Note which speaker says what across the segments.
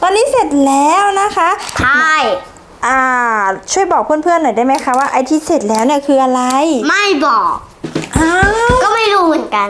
Speaker 1: อนนี้เสร็จแล้วนะคะ
Speaker 2: ใช่
Speaker 1: ช่วยบอกเพื่อนๆหน่อยได้ไหมคะว่าไอที่เสร็จแล้วเนี่ยคืออะไร
Speaker 2: ไม่บอกก็ไม่รู้เหมือนกัน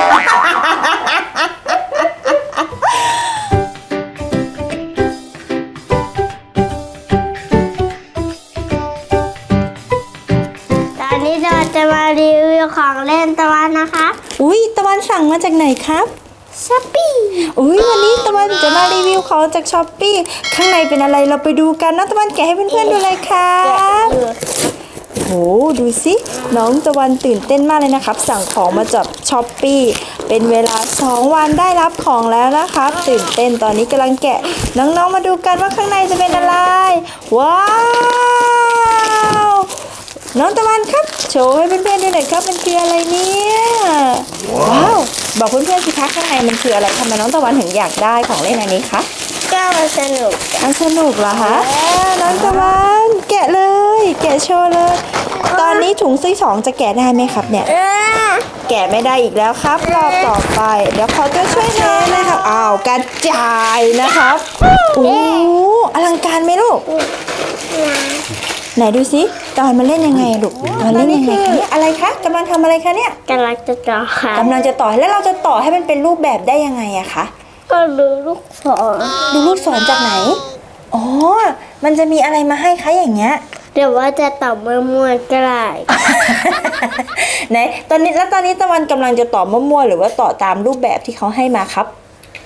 Speaker 2: ตอนนี้จะมารีวิวของเล่นตะวันนะคะ
Speaker 1: อุ้ยตะวันสั่งมาจากไหนครับ
Speaker 2: ช้อปปี้
Speaker 1: วันนี้ตะวันจะมารีวิวของจากช้อปปี้ข้างในเป็นอะไรเราไปดูกันนะตะวันแกะให้เพื่อนๆดูเลยครับโหดูสิน้องตะวันตื่นเต้นมากเลยนะครับสั่งของมาจากช้อปปี้เป็นเวลา2 วันได้รับของแล้วนะครับตื่นเต้นตอนนี้กำลังแกะน้องๆมาดูกันว่าข้างในจะเป็นอะไรว้าวน้องตะวันครับโชว์ให้เพื่อนๆดูหน่อยครับมันคืออะไรเนี่ยว้าวบอกเพื่อนๆสิคะข้างในมันคืออะไรทำไมน้องตะวันถึงอยากได้ของเล่นอันนี้คะ
Speaker 2: ก็มันสนุก
Speaker 1: เหรอคะน้องตะวันแกะเลยแกะโชว์เลยตอนนี้ถุงที่2จะแกะได้ไหมครับเนี่ยแกะไม่ได้อีกแล้วครับรอบต่อไปเดี๋ยวขอตัวช่วยนะนะครับกระจายนะครับโอ้อลังการไหมลูกไหนดูสิตอนมาเล่นยังไงลูกตอนเล่นยังไงคะเนี่ยอะไรคะกำลังทำอะไรคะเนี่ย
Speaker 2: กำลังจะต่อค่ะ
Speaker 1: กำลังจะต่อแล้วเราจะต่อให้มันเป็นรูปแบบได้ยังไงอะคะ
Speaker 2: ก็ดูลูกศร
Speaker 1: จากไหนมันจะมีอะไรมาให้คะอย่างเงี้ย
Speaker 2: เดี๋ยวว่าจะต่อมั่วๆก็ได้
Speaker 1: ไหนตอนนี้ตะวันกำลังจะต่อมั่วๆหรือว่าต่อตามรูปแบบที่เขาให้มาครับ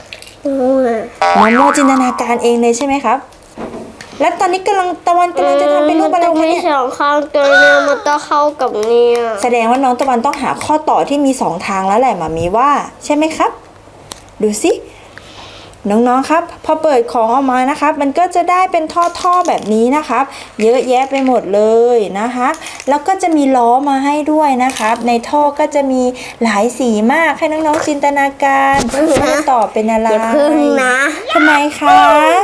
Speaker 1: มั่วจินตนาการเองเลยใช่ไหมครับแล้วตอนนี้ตะวันกำลังจะทำเป็นรูปอะไรคะเนี่ย
Speaker 2: 2 ข้างตัวเนี่ยมันต้องเข้ากับเนี่ย
Speaker 1: แสดงว่าน้องตะวันต้องหาข้อต่อที่มี2 ทางแล้วแหละหมามีว่าใช่ไหมครับดูสิน้องๆครับพอเปิดของออกมานะครับมันก็จะได้เป็นท่อแบบนี้นะครับเยอะแยะไปหมดเลยนะคะแล้วก็จะมีล้อมาให้ด้วยนะครับในท่อก็จะมีหลายสีมากให้น้องๆจินตนาการว่าต่อเป็นอะไร
Speaker 2: อย่าพึ่งนะ
Speaker 1: ทำไมคะ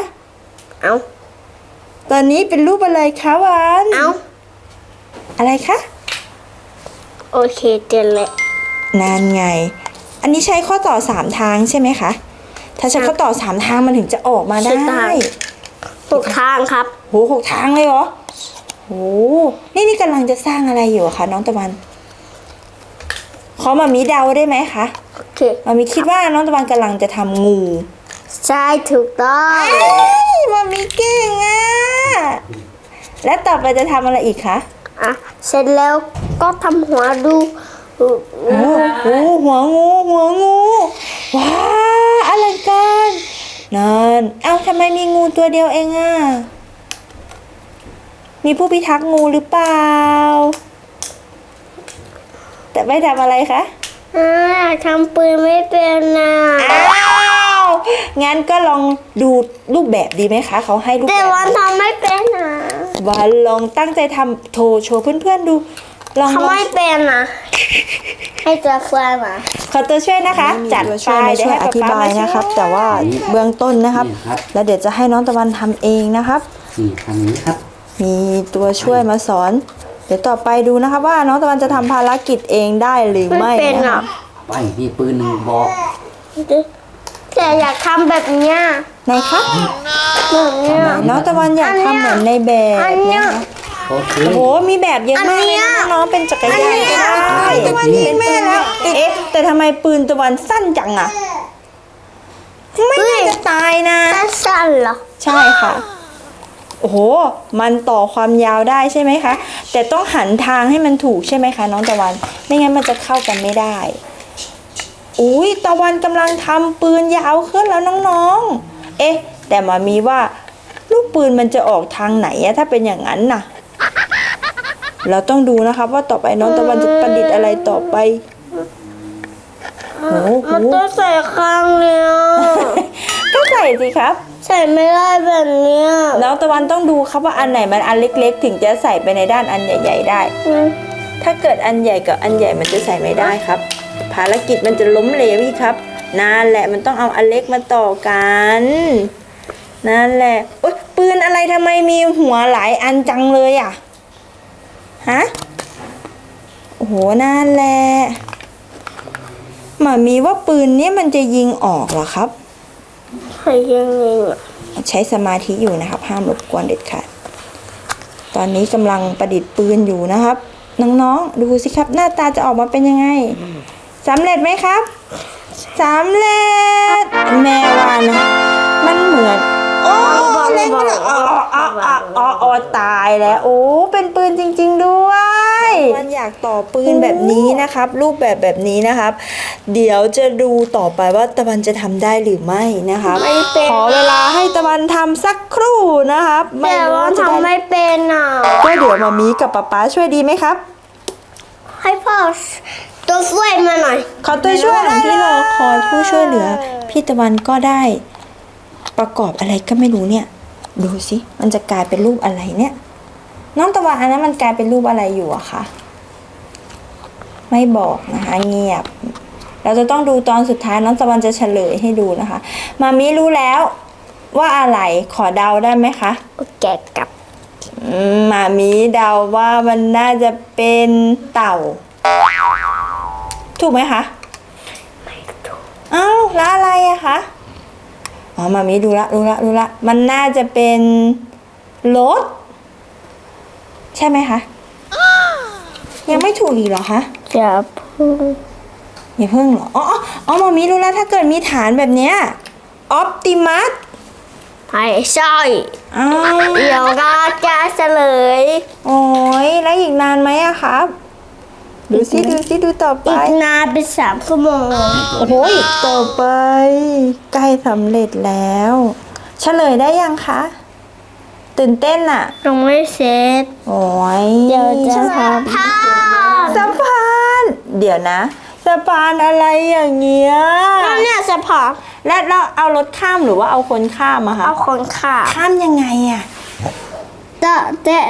Speaker 1: ตอนนี้เป็นรูปอะไรคะวันอะไรคะ
Speaker 2: โอเคเจนเลย
Speaker 1: นั่นไงอันนี้ใช้ข้อต่อ3 ทางใช่ไหมคะถ้าใช้ข้อต่อ3 ทางมันถึงจะออกมาได้
Speaker 2: 6 ทางครับ
Speaker 1: 6 ทางเลยเหรอนี่กำลังจะสร้างอะไรอยู่คะน้องตะวันขอมามีเดาได้ไหมคะ
Speaker 2: โอเค
Speaker 1: มามีคิดว่าน้องตะวันกำลังจะทำงู
Speaker 2: ใช่ถูกต้อง
Speaker 1: มามีเก่งและต่อไปจะทำอะไรอีกคะ
Speaker 2: เสร็จแล้วก็ทำหัวดู
Speaker 1: หัวงูว้าอลังการนั่นทำไมมีงูตัวเดียวเองมีผู้พิทักษ์งูหรือเปล่าแต่ไม่ทำอะไรคะ
Speaker 2: ทำปืนไม่เป็น
Speaker 1: งั้นก็ลองดูรูปแบบดีไหมคะเขาให้รูปแบบ
Speaker 2: แต่วันทำไม่เป็น
Speaker 1: วันลองตั้งใจทำโชว์เพื่อนๆดู
Speaker 2: ทำไม่เป็นให้ตัวช่วยมา
Speaker 1: ขอตัวช่วยนะคะจัดไปช่วยอธิบายนะครับแต่ว่าเบื้องต้นนะครับแล้วเดี๋ยวจะให้น้องตะวันทำเองนะครับ
Speaker 3: ทำนี้ครับ
Speaker 1: มีตัวช่วยมาสอนเดี๋ยวต่อไปดูนะครับว่าน้องตะวันจะทำภารกิจเองได้หรือไม่
Speaker 2: นะครับ
Speaker 3: ไปมีปืน1 บอก
Speaker 2: แต่อยากทำแบบเนี้ย
Speaker 1: ไหนคะ
Speaker 2: แบบเนี้ย
Speaker 1: น้องตะวันอยากทำเหมือนในแบบนะคะโอ้มีแบบเยอะมากเลยน้องเป็นจักรยานก็ได้ตะวันเห็นแม่แล้วแต่ทำไมปืนตะวันสั้นจังไม่น่าจะตายนะ
Speaker 2: สั้นเหรอ
Speaker 1: ใช่ค่ะมันต่อความยาวได้ใช่ไหมคะแต่ต้องหันทางให้มันถูกใช่ไหมคะน้องตะวันไม่งั้นมันจะเข้ากันไม่ได้ตะวันกำลังทำปืนยาวขึ้นแล้วน้องๆแต่มามีว่าลูกปืนมันจะออกทางไหนถ้าเป็นอย่างนั้นน่ะเราต้องดูนะครับว่าต่อไปน้องตะวันจะประดิษฐ์อะไรต่อไป
Speaker 2: มันต้องใส่ข้างเนี้ย
Speaker 1: ก็ใส่สิครับ
Speaker 2: ใส่ไม่ได้แบบเนี้ย
Speaker 1: น้องตะวันต้องดูครับว่าอันไหนมันอันเล็กๆถึงจะใส่ไปในด้านอันใหญ่ๆได้ถ้าเกิดอันใหญ่กับอันใหญ่มันจะใส่ไม่ได้ครับภารกิจมันจะล้มเหลวอีกครับนั่นแหละมันต้องเอาอันเล็กมาต่อกันนั่นแหละปืนอะไรทำไมมีหัวหลายอันจังเลยนั่นแหละหมามีว่าปืนนี้มันจะยิงออกเหรอครับ
Speaker 2: ใครยิง
Speaker 1: ใช้สมาธิอยู่นะครับ ห้ามรบกวนเด็ดขาดตอนนี้กำลังประดิษฐ์ปืนอยู่นะครับน้องๆดูสิครับหน้าตาจะออกมาเป็นยังไงสำเร็จไหมครับสำเร็จแม่ว่านะมันเหมือนโอ้เล่นกันอ๋อตายแล้วโอ้เป็นปืนจริงๆด้วยมันอยากต่อปืนแบบนี้นะครับ รูปแบบนี้นะครับ เดี๋ยวจะดูต่อไปว่าตะวันจะทำได้หรือไม่นะครับขอเวลาให้ตะวันทำสักครู่นะครับไม่
Speaker 2: แต่
Speaker 1: รู้
Speaker 2: ว่า
Speaker 1: ว่าจะได้
Speaker 2: ทำไม่เป็นอ่ะ
Speaker 1: ก็เดี๋ยวมามีกับป๊าช่วยดีไหมครับ
Speaker 2: ให้พ่อตัวช่วยมาหน่อย
Speaker 1: ขอตัวช่วยได้ที่รอคอยผู้ช่วยเหลือ พี่ตะวันก็ได้ประกอบอะไรก็ไม่รู้เนี่ย ดูสิมันจะกลายเป็นรูปอะไรเนี่ย น้องตะวันอันนั้นมันกลายเป็นรูปอะไรอยู่อะคะไม่บอกนะคะเงียบ เราจะต้องดูตอนสุดท้ายน้องตะวันจะเฉลยให้ดูนะคะมามีรู้แล้วว่าอะไรขอเดาได้ไหมคะ
Speaker 2: แกะกับ
Speaker 1: มามีเดาว่ามันน่าจะเป็นเต่า ถูกไหมคะไม่ถูกอ้าวแล้วอะไรอะคะอ๋อมามีรู้ละมันน่าจะเป็นรถใช่ไหมคะยังไม่ถูกอีกเหรอคะ
Speaker 2: จะพูด
Speaker 1: อย่าเพิ่งเหรออ๋อมามีรู้แล้วถ้าเกิดมีฐานแบบเนี้ยออปติมัส
Speaker 2: ไม่ใช่
Speaker 1: อ้าว
Speaker 2: เดี๋ยวก็จะเฉลย
Speaker 1: โอ้ยแล้วอีกนานไหมอะครับดูสิดูต่อไป
Speaker 2: อีกนานเป็น3 ชั่วโมง
Speaker 1: โอ้โหต่อไปใกล้สำเร็จแล้ว เฉลยได้ยังคะ ตื่นเต้นอะ
Speaker 2: ยังไม่เสร็จ
Speaker 1: โอ้ย
Speaker 2: เดี๋ยวจะ
Speaker 1: เฉลย
Speaker 2: ท
Speaker 1: สะพานเดี๋ยวนะสะพานอะไรอย่างเงี้ย
Speaker 2: ำแล้วเนี่ยจะพอ
Speaker 1: และเราเอารถข้ามหรือว่าเอาคนข้ามอะคะ
Speaker 2: เอาคนข่า
Speaker 1: ข้ามยังไงอะ
Speaker 2: เตะ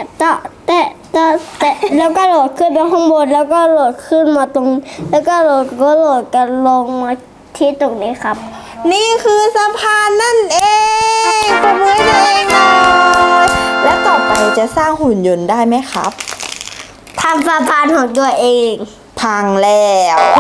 Speaker 2: แล้วก็โหลดขึ้นไปข้างบนแล้วก็โหลดขึ้นมาตรง แล้วก็โหลดกันลงมาที่ตรงนี้ครับ
Speaker 1: นี่คือสะพานนั่นเองปรบมือให้ตัวเองหน่อยและต่อไปจะสร้างหุ่นยนต์ได้ไหมครับ
Speaker 2: ทำสะพานของตัวเอง
Speaker 1: พังแล้ว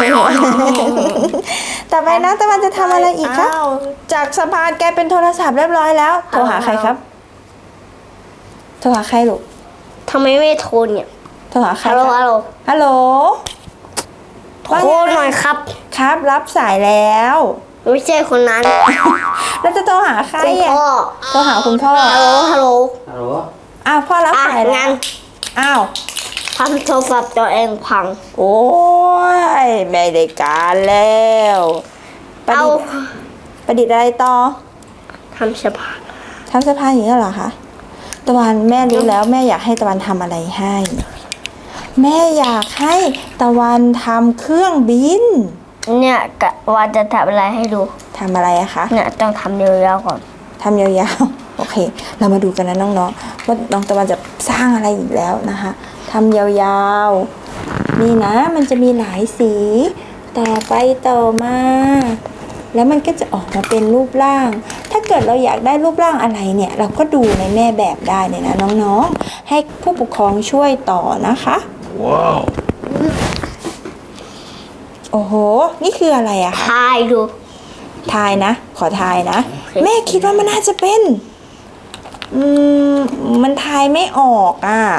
Speaker 1: ต่อไปนะตะวันจะทำอะไรอีกครับ จากสะพานแกลายเป็นโทรศัพท์เรียบร้อยแล้ว โทรหาใครครับ โทรหาใครลูก
Speaker 2: ทำไมไม่โทรเนี่ย
Speaker 1: โทรหาใคร
Speaker 2: ฮัลโหล
Speaker 1: ครับ
Speaker 2: ฮัลโหล
Speaker 1: ฮัลโหล
Speaker 2: โทรหน่อยครับ
Speaker 1: ครับ รับสายแล้ว
Speaker 2: ไม่ใช่คนนั้น
Speaker 1: แล้วจะโทรหาใคร
Speaker 2: คุณ
Speaker 1: อ่ะ
Speaker 2: พ่อ
Speaker 1: โทรหาคุณพ่อ
Speaker 2: ฮัลโหล
Speaker 3: ฮัลโหล
Speaker 1: อ้าวพ่อรับสายแล้
Speaker 2: งั้
Speaker 1: วน อ้าว
Speaker 2: ทำโทรศัพท์ตัวเองพัง
Speaker 1: โอ้ยไม่ได้การแล้วประ
Speaker 2: เอา
Speaker 1: ดิษฐ์ประดิษฐ์อะไรต่อ
Speaker 2: ทำสะพาน
Speaker 1: ทำเสื้อผ้าอย่างนี้เหรอคะตะวันแม่รู้แล้วแม่อยากให้ตะวันทำอะไรให้ แม่อยากให้ตะวันทำเครื่องบิน
Speaker 2: เนี่ยกะว่าจะทำอะไรให้ดู
Speaker 1: ทำอะไรอะคะ
Speaker 2: เนี่ยต้องทำยาวๆก่อน
Speaker 1: ทำยาวๆ โอเค เรามาดูกันนะน้องๆว่าน้องตะวันจะสร้างอะไรอีกแล้วนะคะทำยาวๆนี่นะมันจะมีหลายสีต่อไปต่อมา แล้วมันก็จะออกมาเป็นรูปร่าง ถ้าเกิดเราอยากได้รูปร่างอะไรเนี่ย เราก็ดูในแม่แบบได้เลยนะน้องๆ ให้ผู้ปกครองช่วยต่อนะคะ ว้าว โอ้โห นี่คืออะไรอะคะ
Speaker 2: ทายดู
Speaker 1: ทายนะ ขอทายนะ
Speaker 2: โอเค
Speaker 1: แม่คิดว่ามันน่าจะเป็น มันทายไม่ออกอ่ะ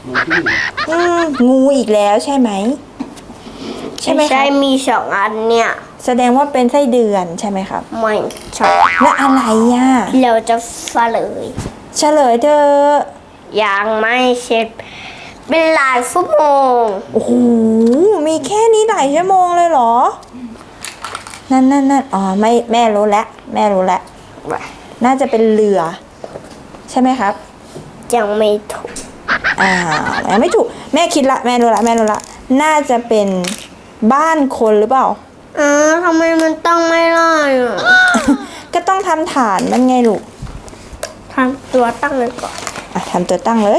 Speaker 1: งูอีกแล้วใช่ไหม ใช่ไหม
Speaker 2: ใช่
Speaker 1: คะ
Speaker 2: มี2 อันเนี่ย
Speaker 1: แสดงว่าเป็นไส้เดือนใช่ไหมครับ
Speaker 2: ไม่ใช่
Speaker 1: แล้วอะไรอ่ะ
Speaker 2: เราจะเฉลย
Speaker 1: เฉลยเธอะ
Speaker 2: ยังไม่เสร็จเป็นหลายชั่วโมง
Speaker 1: โอ้โห มีแค่นี้หลายชั่วโมงเลยเหรอ นั่นอ๋อไม่แม่รู้แล้วแม่รู้แล้ว น่าจะเป็นเรือ ใช่ไหมครับ
Speaker 2: ยังไม่ถูก
Speaker 1: ยังไม่ถูก แม่คิดละแม่รู้ละน่าจะเป็นบ้านคนหรือเปล่า
Speaker 2: ทำไมมันต้องไม่ได้อ่ะ
Speaker 1: ก็ต้องทำฐานมันไงลูก
Speaker 2: ทำตัวตั้งเลยก่อน
Speaker 1: ทำตัวตั้งเลย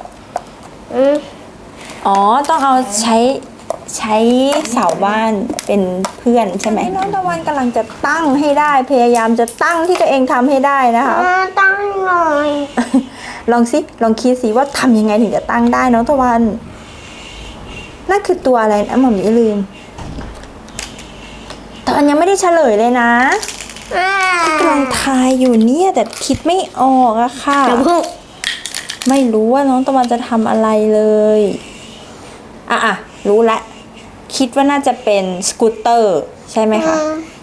Speaker 1: อ๋อ ต้องเอาใช้เสาบ้านเป็นเพื่อนใช่ไหมน้องตะวันกำลังจะตั้งให้ได้ พยายามจะตั้งที่ตัวเองทำให้ได้นะคะ
Speaker 2: ตั้งหน่อย
Speaker 1: ลองคิดสิว่าทำยังไงถึงจะตั้งได้น้องตะวัน นั่นคือตัวอะไรนะหม่อมลืมตะวันยังไม่ได้เฉลยเลยนะกำลังทายอยู่เนี่ยแต่คิดไม่ออกอะค่ะ
Speaker 2: เดี๋ยวเพิ่ง
Speaker 1: ไม่รู้ว่าน้องตะวันจะทำอะไรเลยอ่ะรู้ละคิดว่าน่าจะเป็นสกูตเตอร์ใช่ไหมคะ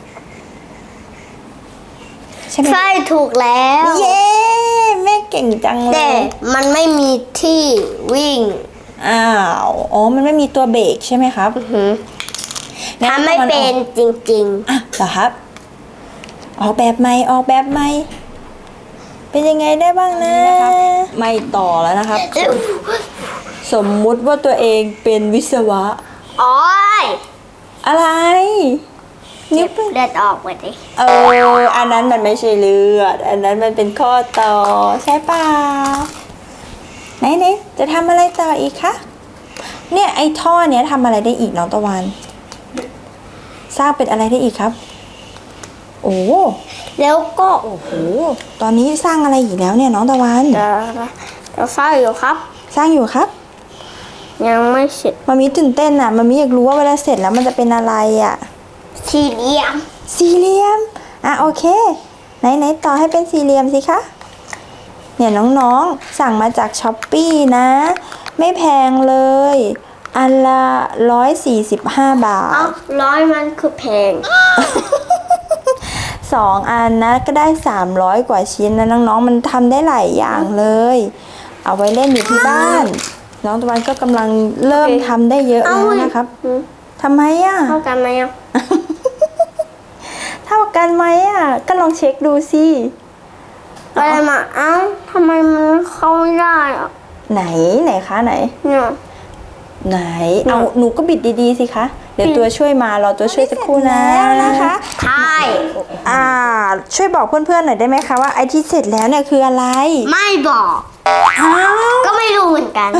Speaker 1: ใช่ไหม
Speaker 2: ใช่ถูกแล้ว
Speaker 1: เย้แม่เก่งจังเล
Speaker 2: แต่
Speaker 1: ย
Speaker 2: มันไม่มีที่วิ่ง
Speaker 1: อ้าวอ๋อมันไม่มีตัวเบรกใช่ไหมครับงั้น
Speaker 2: ทำไม่เป็นจริง
Speaker 1: อ่ะเหรอครับออกแบบใหม่เป็นยังไงได้บ้างนะไม่ต่อแล้วนะครับ สมมุติว่าตัวเองเป็นวิศวะ
Speaker 2: ๆ โอ้ย
Speaker 1: อะไร
Speaker 2: เก็บเลือดออกไปดิ
Speaker 1: อันนั้นมันไม่ใช่เลือด อันนั้นมันเป็นข้อต่อใช่เปล่าไหนจะทำอะไรต่ออีกคะเนี่ยไอ้ท่อเนี้ยทำอะไรได้อีกน้องตะวันสร้างเป็นอะไรได้อีกครับ โอ้
Speaker 2: แล้วก็
Speaker 1: โหตอนนี้สร้างอะไรอีกแล้วเนี่ยน้องตะวัน
Speaker 2: จะเฝ้าอยู่ครับ
Speaker 1: สร้างอยู่ครับ
Speaker 2: ยังไม่เสร็จ
Speaker 1: มามีตื่นเต้นอ่ะมามีอยากรู้ว่าเวลาเสร็จแล้วมันจะเป็นอะไรอ่ะ
Speaker 2: สี่เหลี่ยม
Speaker 1: สี่เหลี่ยมโอเคไหนต่อให้เป็นสี่เหลี่ยมสิคะเนี่ยน้องๆสั่งมาจากช้อปปี้นะ ไม่แพงเลยอันละ145 บาท
Speaker 2: เอ้าร้อยมันคือแพง
Speaker 1: 2 อันนะก็ได้300 กว่าชิ้นนะน้องๆมันทำได้หลายอย่างเลย เอาไว้เล่นอยู่ที่บ้าน น้องตะวันก็กำลังเริ่มทำได้เยอะแล้วนะครับทำไมอ่ะ
Speaker 2: เท่ากันไหมอ่ะ
Speaker 1: เท่ากันไหมอ่ะก็ลองเช็คดูสิ
Speaker 2: อะไรมาเอ้าทำไมมันเข้าไม่ได้อ่ะ
Speaker 1: ไหนคะไหน
Speaker 2: เนี่ย
Speaker 1: ไหนเอาหนูก็บิดดีๆสิคะเดี๋ยวตัวช่วยมารอตัวช่วยสักครู่นะนะคะ
Speaker 2: ใช่
Speaker 1: ช่วยบอกเพื่อนๆหน่อยได้ไหมคะว่าไอที่เสร็จแล้วเนี่ยคืออะไร
Speaker 2: ไม่บอก
Speaker 1: อ้าว
Speaker 2: ก็ไม่รู้เหมือนกัน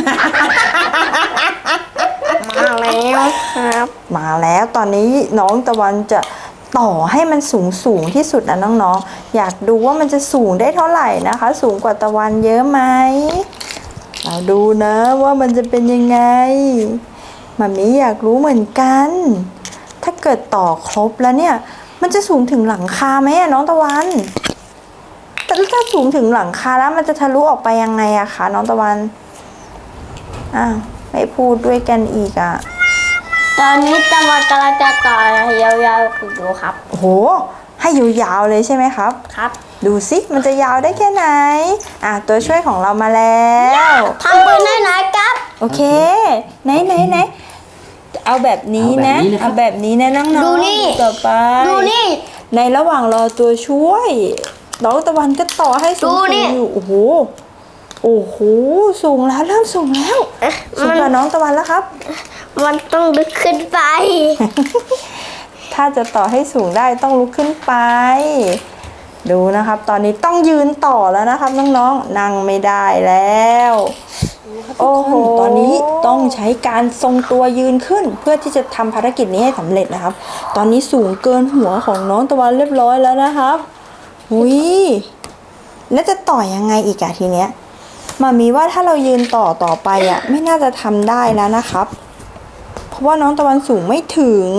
Speaker 2: มาแล้วครับ
Speaker 1: มาแล้วตอนนี้น้องตะวันจะต่อให้มันสูงที่สุดนะน้องๆอยากดูว่ามันจะสูงได้เท่าไหร่นะคะ สูงกว่าตะวันเยอะไหมเราดูนะว่ามันจะเป็นยังไงมัมมี่อยากรู้เหมือนกัน ถ้าเกิดต่อครบแล้วเนี่ย มันจะสูงถึงหลังคาไหมอะน้องตะวันแต่ถ้าสูงถึงหลังคาแล้วมันจะทะลุออกไปยังไงอะคะน้องตะวันอ้าวไม่พูดด้วยกันอีกอะ
Speaker 2: ตอนนี้ตะวันกำลังจะต่อยาวๆคือดูครับ
Speaker 1: โอ้โหให้ยาวๆเลยใช่ไหมครับ
Speaker 2: ครับ
Speaker 1: ดูสิมันจะยาวได้แค่ไหนตัวช่วยของเรามาแล้ว
Speaker 2: ทำปืนได้ไหนครับ
Speaker 1: โอเคไหนเอาแบบนี้นะเอาแบบนี้นะน้องๆ
Speaker 2: ดูนี่
Speaker 1: ต่อไป
Speaker 2: ดูนี่
Speaker 1: ในระหว่างรอตัวช่วยน้องตะวันก็ต่อให้สู
Speaker 2: ดู
Speaker 1: ง
Speaker 2: นี่
Speaker 1: ๆอยู่โอ้โหสูงแล้วเริ่มสูงแล้ว
Speaker 2: เอ๊ะ
Speaker 1: สูงกว่าน้องตะวันแล้วครับ
Speaker 2: มันต้องดึกขึ้นไป
Speaker 1: ถ้าจะต่อให้สูงได้ต้องลุกขึ้นไป ดูนะครับ ตอนนี้ต้องยืนต่อแล้วนะครับน้องๆนั่งไม่ได้แล้วโอ้โหตอนนี้ต้องใช้การทรงตัวยืนขึ้น เพื่อที่จะทำภารกิจนี้ให้สำเร็จนะครับ ตอนนี้สูงเกินหัวของน้องตะวันเรียบร้อยแล้วนะครับหุยแล้วจะต่อยังไงอีกอะทีเนี้ยมามีว่าถ้าเรายืนต่อไปอะไม่น่าจะทำได้แล้วนะครับ เพราะว่าน้องตะวันสูงไม่ถึง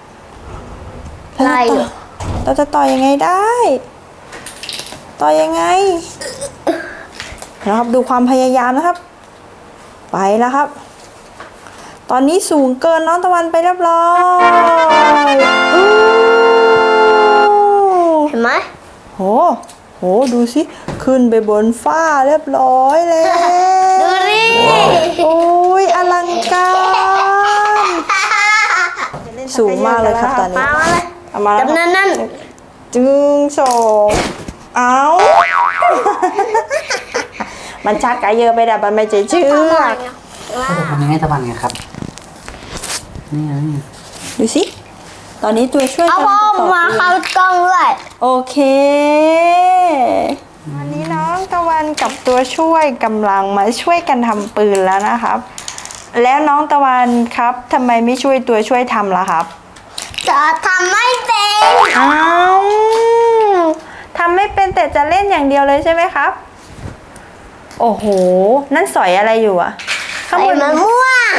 Speaker 2: ได้อยู่
Speaker 1: เราจะต่อยังไงได้ ต่อยังไงนะครับดูความพยายามนะครับ ไปแล้วครับ ตอนนี้สูงเกินน้องตะวันไปเรียบร้อยอู้
Speaker 2: เห็นไหม
Speaker 1: โหดูสิขึ้นไปบนฟ้าเรียบร้อยแล้ว
Speaker 2: ดูนี่
Speaker 1: โอ้ยอลังการสูงมากเลยครับตอนนี้
Speaker 2: มาเลย
Speaker 1: เอามาแล้ว
Speaker 2: จำนั้นนั่น
Speaker 1: จึงสองเอามันชักกะเยอะไปแต่มันไม่เชื่อ
Speaker 3: ทำยังไงตะวันไงครับนี่ไง
Speaker 1: ดูสิ ตอนนี้ตัวช่วย
Speaker 2: เอา
Speaker 1: กำลั
Speaker 2: พ่อง
Speaker 1: จะต่อ
Speaker 2: มา
Speaker 1: ปืน
Speaker 2: เข้ากล้องด้วย
Speaker 1: โอเควันนี้น้องตะวันกับตัวช่วยกำลังมาช่วยกันทำปืนแล้วนะครับ แล้วน้องตะวันครับทำไมไม่ช่วยตัวช่วยทำล่ะครับ
Speaker 2: จะทำไม่เป็น
Speaker 1: อ้าวทำไม่เป็นแต่จะเล่นอย่างเดียวเลยใช่ไหมครับ โอ้โห นั่นสอยอะไรอยู่อะข้างบ
Speaker 2: ใส่
Speaker 1: น
Speaker 2: มะม่วง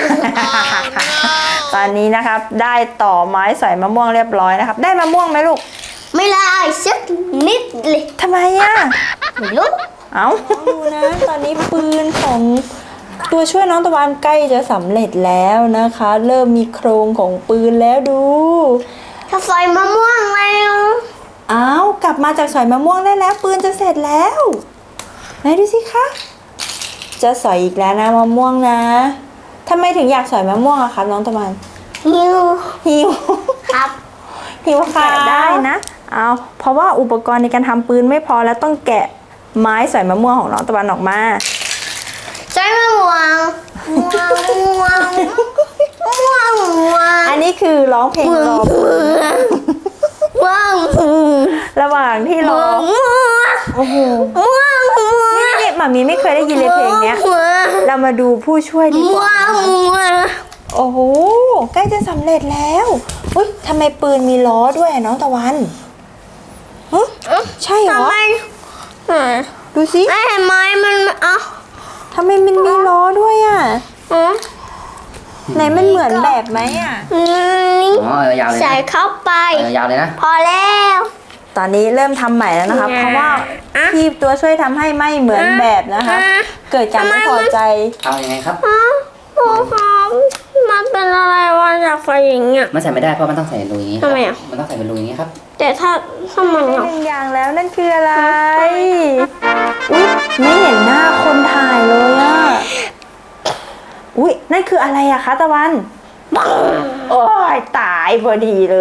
Speaker 1: ตอนนี้นะครับ ได้ต่อไม้สอยมะม่วงเรียบร้อยนะครับ ได้มะม่วงไหมลูก
Speaker 2: ไม่ได้สักนิดเลย
Speaker 1: ทำไมอ่ะ
Speaker 2: ไม่รู้
Speaker 1: เอาดูนะ ตอนนี้ปืนของตัวช่วยน้องตะวันใกล้จะสำเร็จแล้วนะคะ เริ่มมีโครงของปืนแล้วดู
Speaker 2: ถ้าใส่มะม่วงแล้ว
Speaker 1: เอากลับมาจากสอยมะม่วงได้แล้ว ปืนจะเสร็จแล้วไหนดูสิคะจะสอยอีกแล้วนะมะม่วงนะทำไมถึงอยากสอยมะม่วงอะครับน้องตะวัน
Speaker 2: หิว
Speaker 1: หิว
Speaker 2: ครับ
Speaker 1: หิวค่ะได้นะเอาเพราะว่าอุปกรณ์ในการทำปืนไม่พอแล้วต้องแกะไม้สอยมะม่วงของน้องตะวันออกมา
Speaker 2: ใช้มะม่วงม่วงม่วงม่วงม่วง
Speaker 1: อันนี้คือร้องเพลงรอปืน
Speaker 2: ม่วง
Speaker 1: ระหว่างที่ร
Speaker 2: ม่
Speaker 1: อ
Speaker 2: วงม่วง
Speaker 1: โอ้โห
Speaker 2: ม่วงม่วง
Speaker 1: นี่หมามีไม่เคยได้ยินเลยเพลงเนี้ย
Speaker 2: ม่วง
Speaker 1: เรามาดูผู้ช่วยดีก
Speaker 2: ม่ว
Speaker 1: ว่า
Speaker 2: งม่วง
Speaker 1: โอ้โหใกล้จะสำเร็จแล้วอุ้ยทำไมปืนมีล้อด้วยอะน้องตะวันฮะใช่เหร
Speaker 2: ทำ
Speaker 1: อ
Speaker 2: ไม
Speaker 1: ดูสิ
Speaker 2: ไม่เห็นไหมมันอ่ะ
Speaker 1: ทำไมมันมีล้อด้วยอ่ะ
Speaker 2: อืม
Speaker 1: ไหนมันเหมือนแบบไหมอ่ะ
Speaker 2: นี่
Speaker 3: อ๋อยาวเลย
Speaker 2: ใส่เข้าไป
Speaker 3: ยาวเลยนะ
Speaker 2: พอแล้ว
Speaker 1: ตอนนี้เริ่มทำใหม่แล้วนะคะ เพราะว่าพี่ตัวช่วยทำให้ไม่เหมือนแบบนะคะ เกิดการไม่พอใจ
Speaker 3: เอายังไงครับ
Speaker 2: อ๋อโอ้ครับมันเป็นอะไรวะอยากใส่อย่างเงี้ย
Speaker 3: มันใส่ไม่ได้เพราะมันต้องใส่รูอย่างนี้
Speaker 2: ทำไมอะ
Speaker 3: มันต้องใส่เป็นรูอย่างนี้ครับ
Speaker 2: แต่ถ้ามัน
Speaker 1: ห
Speaker 2: อ่ะ
Speaker 1: นึ่งอย่างแล้วนั่นคืออะไร อุ๊ยไม่เห็นหน้าคนถ่ายเลยอ่ะ อุ๊ยนั่นคืออะไรอะคะตะวัน โอ้ยตายพอดีเลย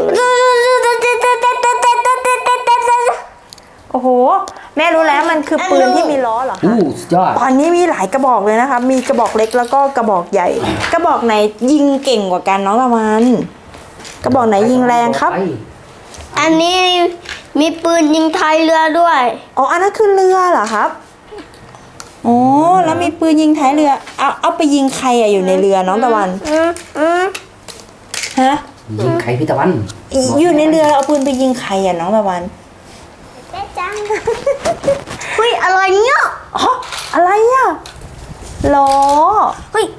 Speaker 1: โอ้โห แม่รู้แล้วมันคือปืนที่มีล้อเหรอคะ
Speaker 3: อู้สุดยอด
Speaker 1: ตอนนี้มีหลายกระบอกเลยนะคะ มีกระบอกเล็กแล้วก็กระบอกใหญ่ กระบอกไหนยิงเก่งกว่ากันน้องตะวัน กระบอกไหนยิงแรงครับ
Speaker 3: ไป
Speaker 2: อันนี้มีปืนยิงไทยเรือด้วย
Speaker 1: อ๋อ อันนั้นคือเรือเหรอครับอ๋อแล้วมีปืนยิงท้ายเรือ เอาไปยิงใครอะอยู่ในเรือน้องตะวัน ฮะ
Speaker 3: ยิงใครพี่ตะวัน
Speaker 1: อยู่ในเรือเอาปืนไปยิงใครอะน้องตะวัน
Speaker 2: แม่จังเฮ้ยอะไรเนี่ย
Speaker 1: อ๋อ อะไรอะล้อ
Speaker 2: เฮ้ย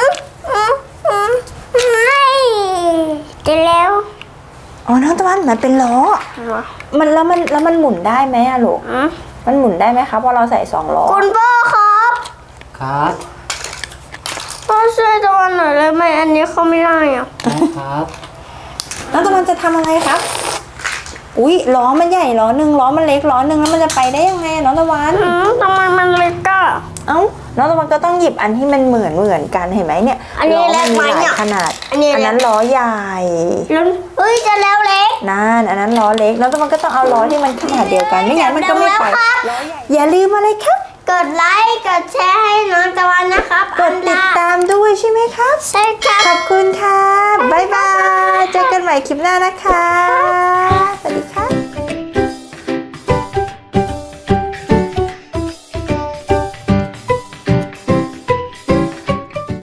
Speaker 2: ไม่จะแล้ว
Speaker 1: อ๋อ น้องตะวันมันเป็นล้อ มันหมุนได้ไหมอะลูก มันหมุนได้ไหมครับเพราะเราใส่2 ล้อ
Speaker 2: คุณพ่อครับ
Speaker 3: ครับ
Speaker 2: พ่อช่วยตะวันหน่อยเลยไหมอันนี้เขาไม่ได้อ่ะ
Speaker 3: ครับ
Speaker 1: น้องตะวันจะทำอะไรครับ อุ๊ยล้อมันใหญ่ล้อหนึ่งล้อมันเล็กล้อหนึ่งแล้วมันจะไปได้ยังไงน้องตะวัน
Speaker 2: ทำไมมันเล็กอ่ะ
Speaker 1: เอ้าน้องตะวันก็ต้องหยิบอันที่มันเหมือนกันเห็นไหมเนี่ย
Speaker 2: อันนี้
Speaker 1: ล้อ
Speaker 2: เล็กไหม
Speaker 1: มีห
Speaker 2: เนี่
Speaker 1: ลาย ยขนาด
Speaker 2: อันนี้เล็ก
Speaker 1: นั้นล้อใหญ่
Speaker 2: แล้วเฮ้ยจะแล้วเล็ก
Speaker 1: นั่นอันนั้นล้อเล็กแล้วตะวันก็ต้องเอาล้อที่มันขนาดเดียวกันไม่งั้นมันก็ไม่ไป
Speaker 2: แล้วครับ
Speaker 1: อย่าลืมอะไรครับ
Speaker 2: กดไลค์กดแชร์ให้น้องตะวันนะครับ
Speaker 1: กดติดตามด้วยใช่ไหมครับ
Speaker 2: ใช่ครับ
Speaker 1: ขอบคุณครับบ๊ายบายเจอกันใหม่คลิปหน้านะครับ